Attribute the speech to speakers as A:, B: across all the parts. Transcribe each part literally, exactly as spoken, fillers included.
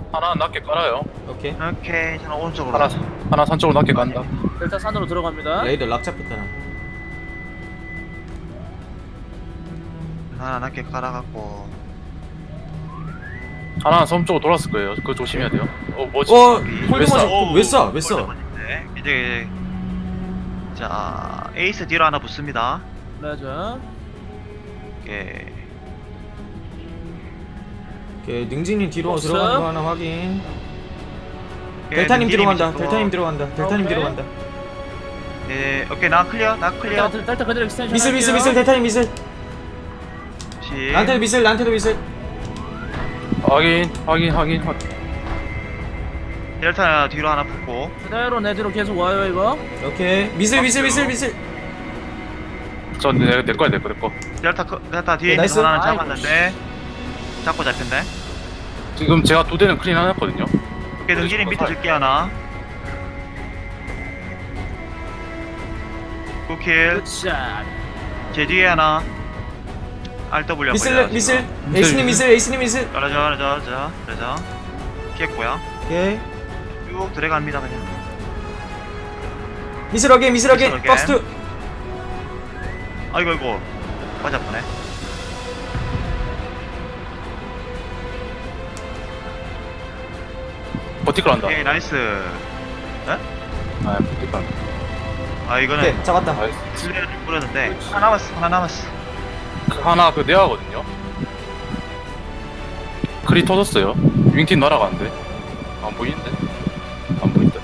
A: 하나 낮게 깔아요.
B: 오케이.
C: 오케이, 저는 오른쪽으로.
A: 하나 하나 산 쪽으로 낮게 간다.
D: 델타 산으로 들어갑니다.
B: 레이더 락 잡혔다.
C: 하나 낮게 깔아갖고.
A: 하나 섬 쪽으로 돌았을 거예요. 그거 조심해야 돼요. 어 뭐지?
B: 어,
A: 왜
B: 홀드
A: 쏴?
B: 맞아.
C: 오,
B: 왜 쏴? 왜 쏴?
C: 홀드만인데. 이제 자 에이스 뒤로 하나 붙습니다.
D: 레저.
C: 오케이.
B: 오케이, 능진님 뒤로
D: 없어?
B: 들어가는 거 하나 확인.
C: 오케이,
B: 델타님
C: 능기님이
B: 들어간다.
C: 있고.
B: 델타님 들어간다. 델타님
D: 오케이.
B: 들어간다.
C: 네, 오케이 나 클리어, 나 클리어.
D: 델타, 델타 그대로 익스텐션.
B: 미슬 미슬
D: 할게요.
B: 미슬 델타님 미슬.
C: 시.
B: 나한테도 미슬 나한테도 미슬.
A: 확인 확인 확인 확인.
C: 델타 뒤로 하나 붙고.
D: 그대로 내 뒤로 계속 와요 이거.
B: 오케이. 미슬 미슬 미슬 미슬.
A: 저내 내 거야 내 거 내 거.
C: 델타 크- 델타 뒤에
B: 네,
C: 있는
B: 나이스.
C: 하나는
D: 아이고,
C: 잡았는데 잡고 잡혔네.
A: 지금 제가 두 대는 클린 해놨거든요.
C: 오케이, 능기님 밑에 들게 하나. 굿킬.
D: 굿샷.
C: 제 뒤에 하나. 알더블유
B: 미슬 미슬. 에이스님 미슬 에이스님 미슬.
C: 그러죠, 그러죠, 그러죠, 그러죠. 피했고요.
B: 오케이.
C: 쭉 들어갑니다 그냥.
B: 미슬 어게인 미슬 어게인.
C: 미슬 어게인.
B: 퍼스트.
C: 아이고 이거 맞았네.
A: 버티컬 한다.
C: 오케이 나이스.
A: 아 버티컬 한다.
C: 아 이거는
B: 오케이, 잡았다.
A: 나이스.
C: 슬레이를 좀 뿌렸는데 하나 남았어, 하나 남았어.
A: 그 하나 그 내화거든요. 크리 터졌어요. 윙팀 날아가는데 안 보이는데 안 보인다.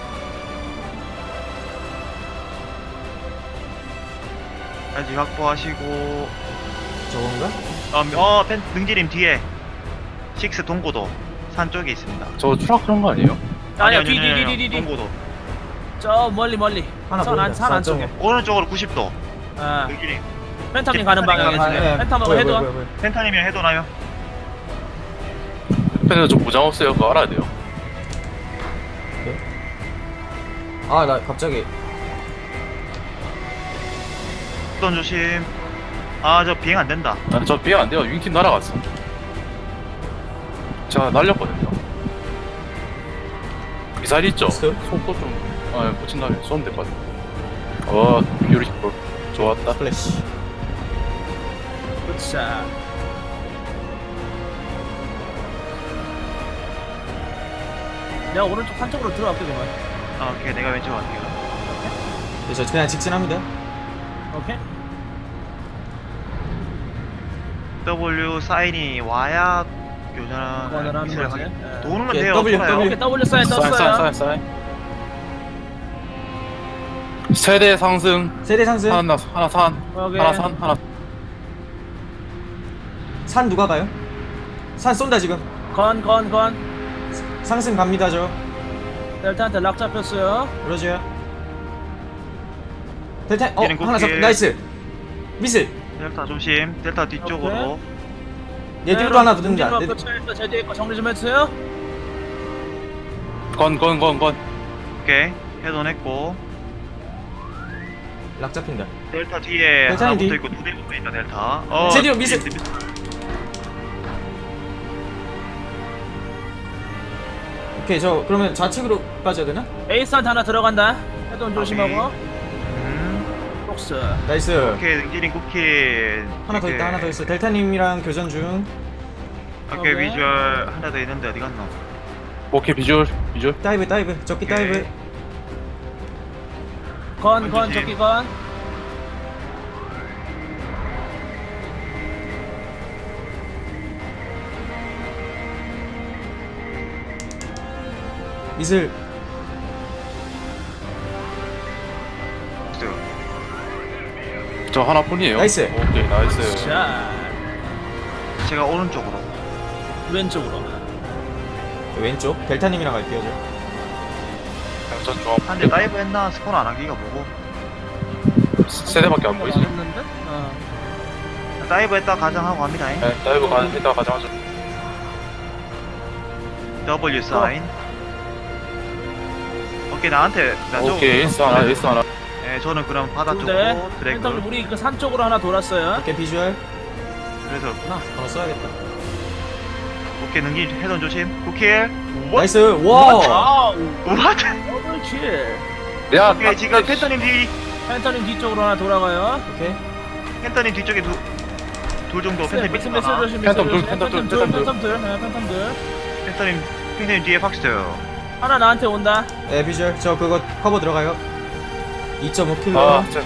C: 다시 확보하시고.
B: 저건가?
C: 어, 어 펜, 능지림 뒤에 식스 동고도 산 쪽에 있습니다.
A: 저 추락 그런 거 아니에요?
D: 아니야
C: 아니, 아니, 아니, 아니,
D: 뒤뒤뒤뒤뒤.
C: 동고도
D: 저 멀리 멀리.
B: 하나
D: 산 안
B: 보인다.
D: 산 안쪽에.
C: 오른쪽으로 구십 도.
D: 아.
C: 능지림
D: 펜타민 가는 방향에
B: 아,
D: 지금.
B: 예.
D: 펜타하고
B: 보여,
D: 헤드.
B: 보여, 보여, 보여.
C: 펜타님이랑 해도 나요.
A: 근데 저 보장 없어요. 그거 알아야 돼요.
B: 아, 나 갑자기
C: 어떤 조심. 아 저 비행 안 된다.
A: 아, 저 비행 안 돼요. 윙팀 날아갔어. 제가 날렸거든요. 미사일 있죠?
B: 있어요?
A: 속도 좀, 아, 붙인 다음에 쏘면 될 것 같아. 어, 뷰티풀. 좋았다.
B: 플래시.
D: 굿샷. 내가 오른쪽 산 쪽으로 들어갈게 그만.
C: 아, 오케이 내가 왼쪽 갈게요.
B: 네, 저 그냥 직진합니다.
D: 오케이.
C: W 사인이 와야 교전을
D: 교전을 하는
C: 미스를
D: 거지.
C: 하게-
D: 예.
C: 도는 건
B: 오케이,
C: 돼요.
B: W,
C: 돌아요.
B: W.
D: 오케이 W 사인
A: 사인, 사인,
D: 떴어요.
A: 사인, 사인. 세대 상승.
B: 세대 상승.
A: 하나, 하나 산.
D: 오케이.
A: 하나 산, 하나.
B: 산 누가 가요? 산 쏜다 지금.
D: 건 건 건.
B: 상승 갑니다 저.
D: 델타한테 락 잡혔어요.
B: 그러죠. 델타 어
C: 얘는
B: 하나 잡
C: 국회.
B: 나이스. 미슬.
C: 델타 조심. 델타 뒤쪽으로.
B: 얘 뒤로 하나 붙는다. 내-
D: 네, 제 뒤에 거 정리 좀 해주세요.
A: 건, 건, 건, 건.
C: 오케이 해돈했고.
B: 락 잡힌다.
C: 델타 뒤에
B: 델타님
C: 하나
B: 뒤.
C: 붙어 있고 두 대 붙어 있다 델타. 어.
B: 제 뒤로 미스. 오케이 저 그러면 좌측으로 빠져야 되나?
D: 에이스한테 하나 들어간다. 헤드온 조심하고.
C: 음.
D: 폭스.
B: 나이스.
C: 오케이 능지린 쿠키.
B: 하나 더 있다 하나 더 있어. 델타님이랑 교전 중.
C: 오케이
D: 오케이.
C: 비주얼 하나 더 있는데 어디 갔노?
A: 오케이, 비주얼, 비주얼.
B: 다이브 다이브 적기
C: 오케이.
B: 다이브.
D: 건 건
C: 던지지.
D: 저기 건.
B: 미슬.
A: 저 하나뿐이에요.
B: 나이스.
A: 오케이, 나이스.
D: 자
C: 제가 오른쪽으로.
D: 왼쪽으로.
B: 왼쪽 델타님이랑 갈게요 저.
A: 전 좀.
C: 한대 다이브 했나 스폰 안 하기가 뭐고.
A: 세대밖에 안 보이지?
D: 했는데? 어.
C: 다이브 했다 가정하고 갑니다.
A: 네, 다이브 가, 이따 가져가죠.
C: W 사인. 오케이 나한테 나 쪽으로.
A: 오케이, 에이스 하나, 에이스 하나.
C: 네, 저는 그럼 바다
D: 두
C: 쪽으로
D: 대. 펜타민
C: 드래그.
D: 우리 그 산 쪽으로 하나 돌았어요.
B: 오케이 비주얼.
C: 그래서
B: 하나 더 써야겠다.
C: 오케이 능지 해돈 조심. 구킬.
B: 나이스. 와.
D: 와우.
C: 우와.
D: 더블킬.
A: 야
C: 오케이 지금 펜터님 뒤
D: 펜터님 뒤쪽으로 하나 돌아가요.
B: 오케이.
C: 펜터님 뒤쪽에 두 둘 정도 펜터님
D: 미스
C: 밑에
D: 미스
C: 하나.
D: 조심.
A: 팬텀 둘,
D: 미스
A: 팬텀 둘,
D: 둘,
A: 팬텀 둘.
D: 팬텀 둘. 네, 팬텀 둘.
C: 펜터님 펜터님 뒤에 팍스터요.
D: 하나 나한테 온다.
B: 네, 비주얼. 저 그거 커버 들어가요. 이 점 오 킬로.
A: 아 진짜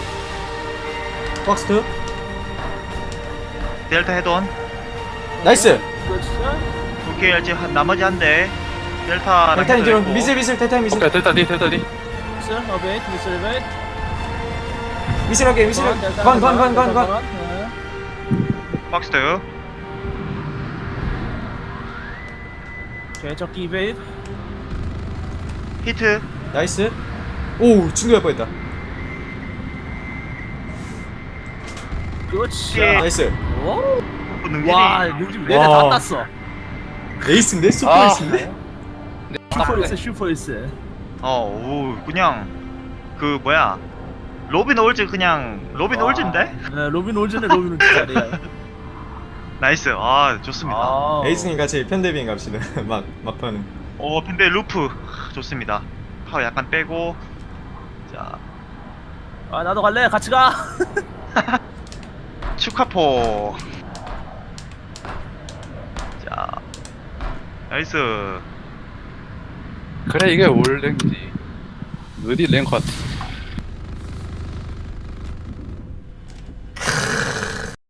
B: 박스트.
C: 델타 해돈.
B: 나이스.
D: 그렇지.
C: 오케이 이제 한- 나머지 한 대. 델타.
B: 델타님 뒤로 미슬 미슬 델타 미슬.
A: 오케이 델타 D 델타 D
D: 미스 어베이트 미스 어베이트.
B: 미슬하게 미슬하게. 건건건건
D: 네.
C: 팍스터.
D: 오케이 적기 이베이트.
C: 히트.
B: 나이스. 오, 충격할 뻔했다.
D: 그렇지.
C: 예.
B: 나이스.
D: 오.
C: 능지.
D: 와 능지 내내
B: 와.
D: 다 땄어.
B: 에이스인데 슈퍼
A: 아.
B: 에이스인데.
D: 슈퍼에스 슈퍼에스.
C: 어, 오, 그냥 그 뭐야 로빈 올즈 그냥 로빈 올즈인데?
D: 네, 로빈 올즈네 로빈 올즈 잘해요.
C: 나이스, 아 좋습니다.
D: 아.
B: 에이스님 같이 편대비행 갑시다. 막 막판은.
C: 오, 근데 루프 좋습니다. 파워 약간 빼고 자
D: 아 나도 갈래. 같이 가.
C: 축하포. 자 나이스.
A: 그래 이게 올랭이지 어디 랭커 같아